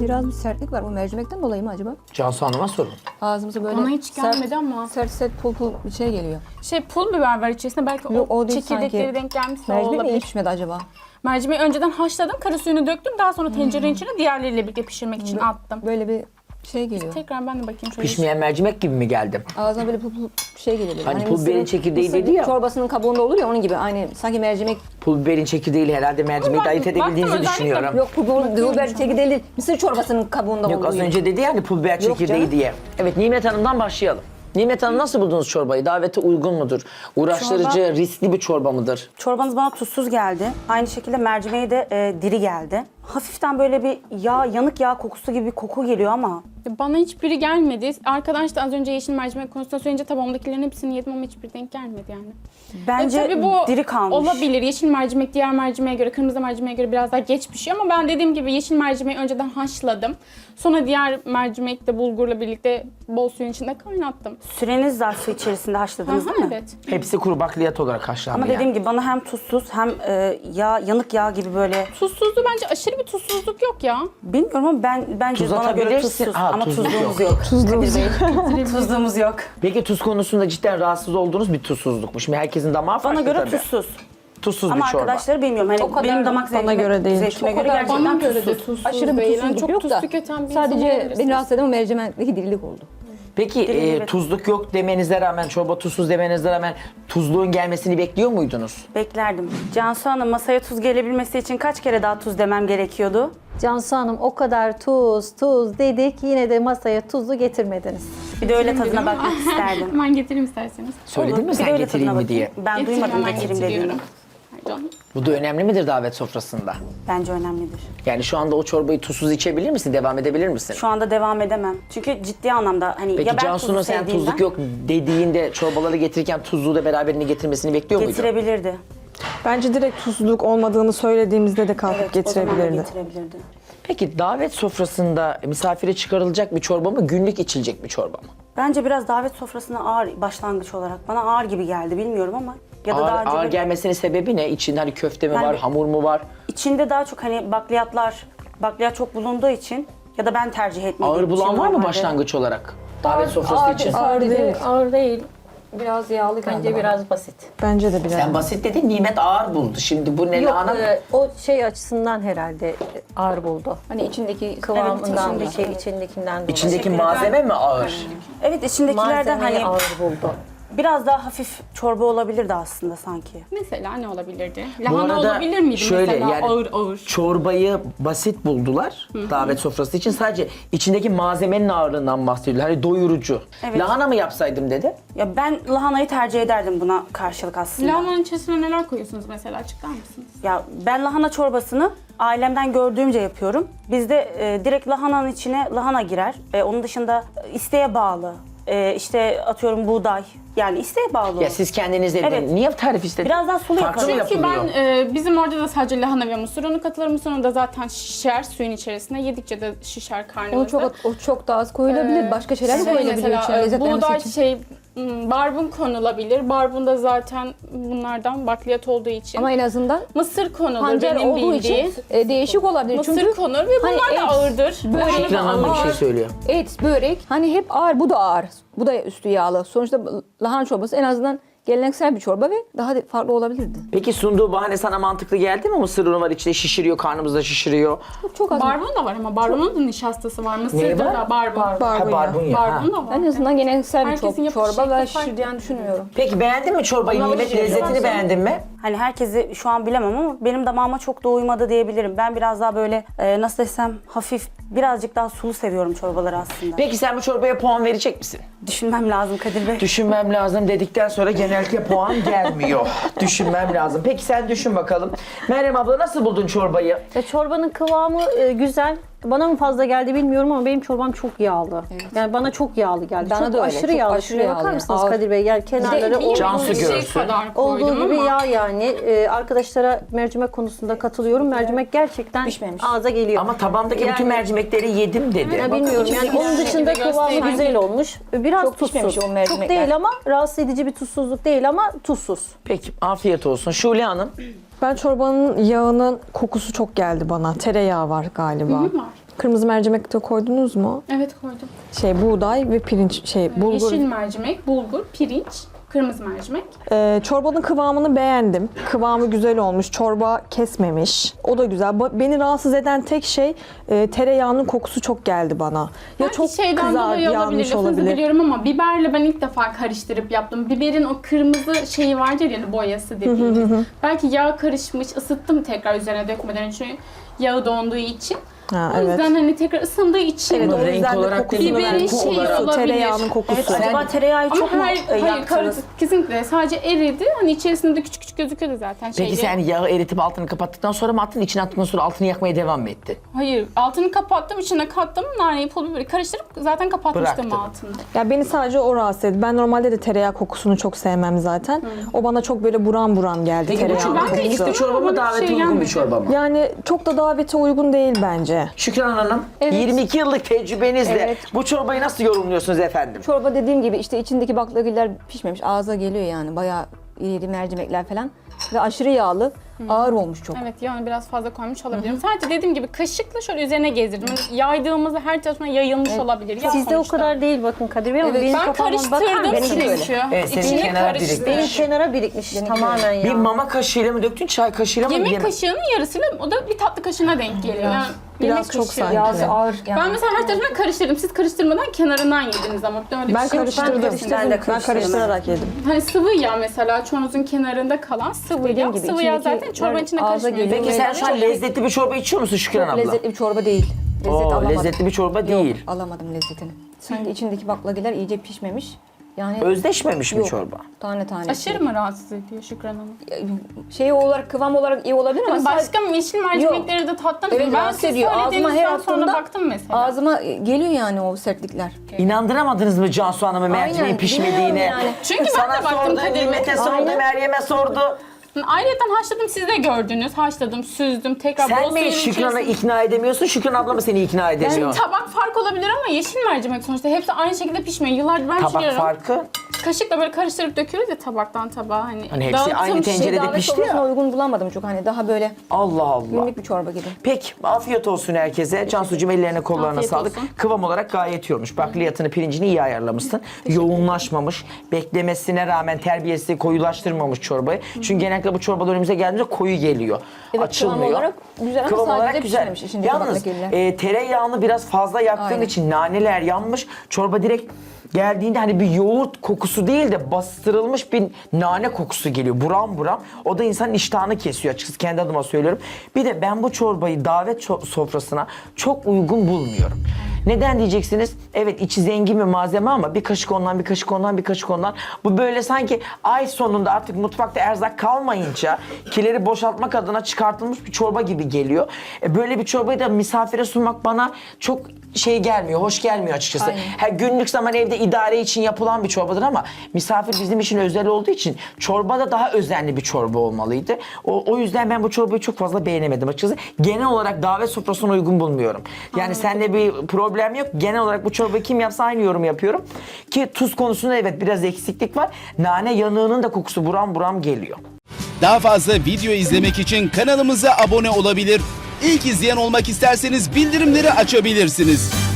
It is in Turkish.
Biraz bir sertlik var. Bu mercimekten dolayı mı acaba? Cansu Hanım'a sorun. Ağzımıza böyle Bana hiç gelmedi sert, ama. Sert pul pul bir şey geliyor. Pul biber var içerisinde. Belki Yok, o o değil çekirdekleri sanki. denk gelmişse o Mercimek mi iyi olabilir. pişmedi acaba? Mercimeği önceden haşladım. Kara suyunu döktüm. Daha sonra tencerenin içine diğerleriyle birlikte pişirmek için attım. Böyle bir şey geliyor. Tekrar ben de bakayım şöyle. Pişmeyen mercimek gibi mi geldim? Ağzına böyle pul pul bir şey geliyor. Böyle. Hani pul biberin çekirdeği mısır dedi ya. çorbasının kabuğunda olur ya onun gibi. Aynı sanki mercimek. Pul biberin çekirdeğiyle herhalde mercimeği Ama de ayırt baktım, edebildiğinizi özellikle- düşünüyorum. Yok pul biber çekirdeği değil. Mısır çorbasının kabuğunda Yok, az oluyor. önce dedi yani pul biber Yok çekirdeği canım. diye. Evet, Nimet Hanım'dan başlayalım. Nimet Hanım, nasıl buldunuz çorbayı? Davete uygun mudur? Uğraştırıcı, riskli bir çorba mıdır? Çorbanız bana tuzsuz geldi. Aynı şekilde mercimeği de diri geldi. Hafiften böyle bir yağ, yanık yağ kokusu gibi bir koku geliyor ama Bana hiçbiri gelmedi. Arkadaş da az önce yeşil mercimek konusunda söyleyince tabağımdakilerin hepsini yedim ama hiçbiri denk gelmedi yani. bence Tabii bu diri kalmış. olabilir. Yeşil mercimek diğer mercimeğe göre, kırmızı mercimeğe göre biraz daha geç pişiyor ama ben dediğim gibi yeşil mercimeği önceden haşladım. Sonra diğer mercimek de bulgurla birlikte bol suyun içinde kaynattım. Süreniz zarfı içerisinde haşladınız değil mi? Evet. Hepsi kuru bakliyat olarak haşlandı Ama yani. dediğim gibi bana hem tuzsuz hem yağ, yanık yağ gibi böyle Tuzsuzluğu bence aşırı bir tuzsuzluk yok ya. bilmiyorum ama bence Tuz bana göre atabilirsin. tuzsuz Ha, ama tuzluk tuzluğumuz yok. yok. Tuzluğumuz yok. Tuzluğumuz yok. Peki tuz konusunda cidden rahatsız olduğunuz bir tuzsuzluk mu? Şimdi herkesin damağı farklı Bana göre tabii. tuzsuz. Tuzsuz Ama bir çorba. arkadaşları bilmiyorum. Hani O kadar benim damak bana zevkime, göre değil. zevkime O göre kadar gerçekten Bana göre de tuzsuz. tuzsuz Aşırı bir değil. tuzsuzluk çok yok tuz da. tüketen bir insan Sadece olabilirsiniz. beni rahatsız eden o mercimekteki dirilik oldu. Peki Evet. tuzluk yok demenize rağmen, çorba tuzsuz demenize rağmen tuzluğun gelmesini bekliyor muydunuz? Beklerdim. Cansu Hanım, masaya tuz gelebilmesi için kaç kere daha tuz demem gerekiyordu? Cansu Hanım, o kadar tuz dedik, yine de masaya tuzu getirmediniz. Bir de öyle tadına bakmak isterdim. Hemen getireyim isterseniz. Söyledin Olur. mi Bir de sen öyle getireyim tadına mi diye? bakayım. Ben Getireyim, duymadım hemen getireyim dediğini. getiriyorum. Pardon. Bu da önemli midir davet sofrasında? Bence önemlidir. Yani şu anda o çorbayı tuzsuz içebilir misin? Devam edebilir misin? Şu anda devam edemem. Çünkü ciddi anlamda hani Peki ya ben Cansu'nun tuzu sen sevdiğimden tuzluk yok dediğinde çorbaları getirirken tuzluğu da beraberinde getirmesini bekliyor muydun? getirebilirdi. Bence direkt tuzluluk olmadığını söylediğimizde de kalkıp Evet, o zaman da getirebilirdi. getirebilirdi. Peki davet sofrasında misafire çıkarılacak bir çorba mı, günlük içilecek bir çorba mı? Bence biraz davet sofrasına ağır başlangıç olarak. Bana ağır gibi geldi bilmiyorum ama. Ya da daha Ağır, önce ağır böyle- gelmesinin sebebi ne? İçinde hani köfte mi Yani- var, hamur mu var? İçinde daha çok hani bakliyat çok bulunduğu için ya da ben tercih etmediğim Ağır için bulan var mı normalde. başlangıç olarak? Davet sofrası için. Ağır değil. Ağır değil. Biraz yağlı geldi Bence bana. biraz basit. Bence de biraz. Sen basit dedin, Nimet ağır buldu. Şimdi bu ne Yok, lahana? o şey açısından herhalde ağır buldu. Hani içindeki Kıvamından, Evet, içindekinden dolayı. İçindeki malzeme mi ağır? Evet içindekilerden Malzemeyi hani ağır buldu. biraz daha hafif çorba olabilirdi aslında sanki. Mesela ne olabilirdi? Bu Lahana arada olabilir miydi şöyle, mesela yani ağır ağır? Çorbayı basit buldular davet sofrası için. Sadece içindeki malzemenin ağırlığından bahsediyorlar. Hani doyurucu. Evet. Lahana mı yapsaydım dedi. Ya ben lahanayı tercih ederdim buna karşılık aslında. Lahananın içerisine neler koyuyorsunuz mesela, açıklar mısınız? Ya ben lahana çorbasını ailemden gördüğümce yapıyorum. Bizde direkt lahananın içine lahana girer. Onun dışında isteğe bağlı. İşte atıyorum buğday. Yani isteğe bağlı. Ya siz kendiniz dediniz. Evet. Niye tarif istediniz? Biraz daha sulu Farklı mı yapalım. Çünkü yapılıyor? ben bizim orada da sadece lahana ve mısır unu katılır. Mısır unu da zaten şişer suyun içerisinde. Yedikçe de şişer o karnınızda. çok daha az koyulabilir. Başka şeyler de koyulabilir mesela içine lezzetlenmesi buğday için. barbun konulabilir. Barbun da zaten bunlardan bakliyat olduğu için. Ama en azından mısır konulur pancar benim olduğu bildiğim. için değişik olabilir. Mısır Çünkü konur ve bunlar hani da et, ağırdır. börek, Lahana da Şükran Hanım bir ağır. şey söylüyor. et, börek hani hep ağır. Bu da ağır. Bu da üstü yağlı. Sonuçta lahana çorbası en azından geleneksel bir çorba ve daha farklı olabilirdi. Peki sunduğu bahane sana mantıklı geldi mi? Mısır unu var içinde, şişiriyor, karnımızda şişiriyor. Çok az. Barbun da var ama barbunun da nişastası var. Neyi Mısırda var? da barbun. Ha, Barbunya. barbunya. Ha. Barbun da var. En azından geleneksel bir Herkesin yapış çorba şekli ve farklı. şişirdiğini düşünmüyorum. Peki beğendin mi çorbayı? Ama Nimet, bir şey lezzetini yok. beğendin mi? Hani herkesi şu an bilemem ama benim damağıma çok da uymadı diyebilirim. Ben biraz daha böyle nasıl desem hafif birazcık daha sulu seviyorum çorbaları aslında. Peki sen bu çorbaya puan verecek misin? Düşünmem lazım Kadir Bey. Düşünmem lazım dedikten sonra genellikle puan gelmiyor. Düşünmem lazım. Peki sen düşün bakalım. Meryem abla, nasıl buldun çorbayı? Ya çorbanın kıvamı güzel. Bana mı fazla geldi bilmiyorum ama benim çorbam çok yağlı. Yani bana çok yağlı geldi. Bana çok da öyle, aşırı çok yağlı. aşırı Şuraya bakar yağlı. mısınız Ağır. Kadir Bey? Yani kenarları Bir Cansu şey görsün. kadar koydum olduğu gibi ama. yağ yani. Arkadaşlara mercimek konusunda katılıyorum. Mercimek gerçekten Pişmemiş. ağza geliyor. Ama tabandaki bütün Yani- mercimekleri yedim dedi. Ya bilmiyorum yani içindeki onun dışında mercimeği kıvamı göstereyim. güzel olmuş. Biraz Çok pişmemiş tuzsuz. o mercimekler. Çok değil ama rahatsız edici bir tuzsuzluk değil ama tuzsuz. Peki afiyet olsun. Şule Hanım. Ben çorbanın yağının kokusu çok geldi bana. Tereyağı var galiba. Kırmızı mercimek de koydunuz mu? Evet koydum. Buğday ve pirinç, bulgur. Yeşil mercimek, bulgur, pirinç, kırmızı mercimek. Çorbanın kıvamını beğendim. Kıvamı güzel olmuş. Çorba kesmemiş. O da güzel. Beni rahatsız eden tek şey tereyağının kokusu çok geldi bana. Ya Belki çok şeyden dolayı olabilir, yanmış lafınızı olabilir. biliyorum ama biberle ben ilk defa karıştırıp yaptım. Biberin o kırmızı şeyi vardır ya, boyası dediğimiz. Belki yağ karışmış, ısıttım tekrar üzerine dökmeden çünkü yağı donduğu için. Ha, O evet. yüzden hani tekrar ısındığı için Evet, o renk yüzden de olarak kokusunu değil, biberin koku şeyi olarak. olabilir. Tereyağının kokusu. Evet, acaba tereyağı Ama çok mu hayır, yaktınız? kesinlikle sadece eridi. Hani içerisinde de küçük küçük gözüküyordu zaten. Peki şeyde. sen yağı eritip altını kapattıktan sonra mı attın? İçine attıktan sonra altını yakmaya devam mı ettin? Hayır, altını kapattım, içine kattım, naneyi, pul biberi karıştırıp zaten kapatmıştım Bıraktın. altını. Ya beni sadece o rahatsız etti. Ben normalde de tereyağı kokusunu çok sevmem zaten. O bana çok böyle buram buram geldi Peki bu tereyağı çorba ben de kokusu. içtim bir çorba ama mı, bana davete şey uygun bir gelmedi. çorba mı? Yani çok da davete uygun değil bence. Şükran Hanım, 22 yıllık tecrübenizle Evet. bu çorbayı nasıl yorumluyorsunuz efendim? Çorba dediğim gibi işte içindeki baklagiller pişmemiş. Ağza geliyor yani. Bayağı iri mercimekler falan. Ve aşırı yağlı. Ağır olmuş çok. Evet, yani biraz fazla koymuş olabilirim. Sadece dediğim gibi kaşıkla şöyle üzerine gezdirdim. Yani yaydığımızda her tarafına yayılmış olabilir. Ya Sizde o sonuçta. kadar değil bakın Kadir Bey ama Evet, benim Ben kafama bakar karıştırdım mısınız? Benimki çünkü. Evet, senin İçine kenara karıştı. Benim kenara birikmiş tamamen ya. Bir mama kaşığıyla mı döktün, çay kaşığıyla mı? Yemek kaşığının yarısıyla o da bir tatlı kaşığına denk geliyor. Yani Biraz yemek çok kaşığı. sanki. Yağsı ağır. Yani. Ben mesela her tarafına karıştırdım. Siz karıştırmadan kenarından yediniz ama öyle bir Ben şey yok. karıştırdım. Ben de Ben karıştırarak yedim. Hani sıvı yağ mesela çoğunuzun kenarında kalan sıvı Dediğim yağ. gibi Sıvı yağ içindeki zaten çorbanın içine ağza karışmıyor. geliyor. Peki sen şu an lezzetli bir çorba içiyor musun Şükran abla? Lezzetli bir çorba değil. Lezzet Oo, alamadım. lezzetli bir çorba değil. Alamadım lezzetini. Sanki içindeki baklagiller iyice pişmemiş. Yani Özdeşmemiş mi yok. çorba? Tane tane. Aşırı mı rahatsız ediyor Şükran Hanım? Şey olarak, kıvam olarak iyi olabilir ama Hani başka yeşil mercimekleri de tattınız mı? Evet, Ben rahatsız siz ediyor. Ağzıma her söylediğinizden sonra attığımda baktım mesela. ağzıma geliyor yani o sertlikler. İnandıramadınız mı Cansu Hanım'ı mercimeğin Aynen, pişmediğine? bilmiyorum yani. Çünkü ben Sana de baktım sordu, Kadir Bey. Nimet'e sordu, Aynen. Meryem'e sordu. Ayrıca haşladım, siz de gördünüz. Haşladım, süzdüm, tekrar bol Sen suyun mi Şükran'ı içerisine- ikna edemiyorsun, Şükran abla mı seni ikna edemiyor? Tabak fark olabilir ama yeşil mercimek sonuçta hepsi aynı şekilde pişmiyor. Yıllardır ben Tabak pişiriyorum. farkı. Kaşıkla böyle karıştırıp döküyoruz ya tabaktan tabağa. Hani hepsi dağıtım aynı tencerede davet pişti sofrasına ya. uygun bulamadım çok, hani daha böyle Allah Allah. günlük bir çorba gibi. Peki, afiyet olsun herkese. Cansucuğum ellerine kollarına Afiyet sağlık. olsun. Kıvam olarak gayet iyi olmuş. Bakliyatını, pirincini iyi ayarlamışsın. Yoğunlaşmamış. Beklemesine rağmen terbiyesi koyulaştırmamış çorbayı. Çünkü genellikle bu çorbalar önümüze geldiğinde koyu geliyor. Evet, Açılmıyor. kıvam olarak güzel ama Kıvam sadece olarak güzel. pişmemiş içindeki Yalnız baklagiller. tereyağını biraz fazla yaktığın Aynen. için naneler yanmış. Çorba direkt geldiğinde hani bir yoğurt kokusu değil de bastırılmış bir nane kokusu geliyor. Buram buram. O da insanın iştahını kesiyor açıkçası, kendi adıma söylüyorum. Bir de ben bu çorbayı davet sofrasına çok uygun bulmuyorum. Neden diyeceksiniz? Evet, içi zengin bir malzeme ama bir kaşık ondan, bir kaşık ondan, bir kaşık ondan. Bu böyle sanki ay sonunda artık mutfakta erzak kalmayınca kileri boşaltmak adına çıkartılmış bir çorba gibi geliyor. Böyle bir çorbayı da misafire sunmak bana çok şey gelmiyor, hoş gelmiyor açıkçası. Aynen. Her günlük zaman evde idare için yapılan bir çorbadır ama misafir bizim için özel olduğu için çorba da daha özenli bir çorba olmalıydı. O yüzden ben bu çorbayı çok fazla beğenemedim açıkçası. Genel olarak davet sofrasına uygun bulmuyorum. Yani sende bir problem yok. Genel olarak bu çorbayı kim yapsa aynı yorum yapıyorum. Ki tuz konusunda evet biraz eksiklik var. Nane yanığının da kokusu buram buram geliyor. Daha fazla video izlemek için kanalımıza abone olabilir. İlk izleyen olmak isterseniz bildirimleri açabilirsiniz.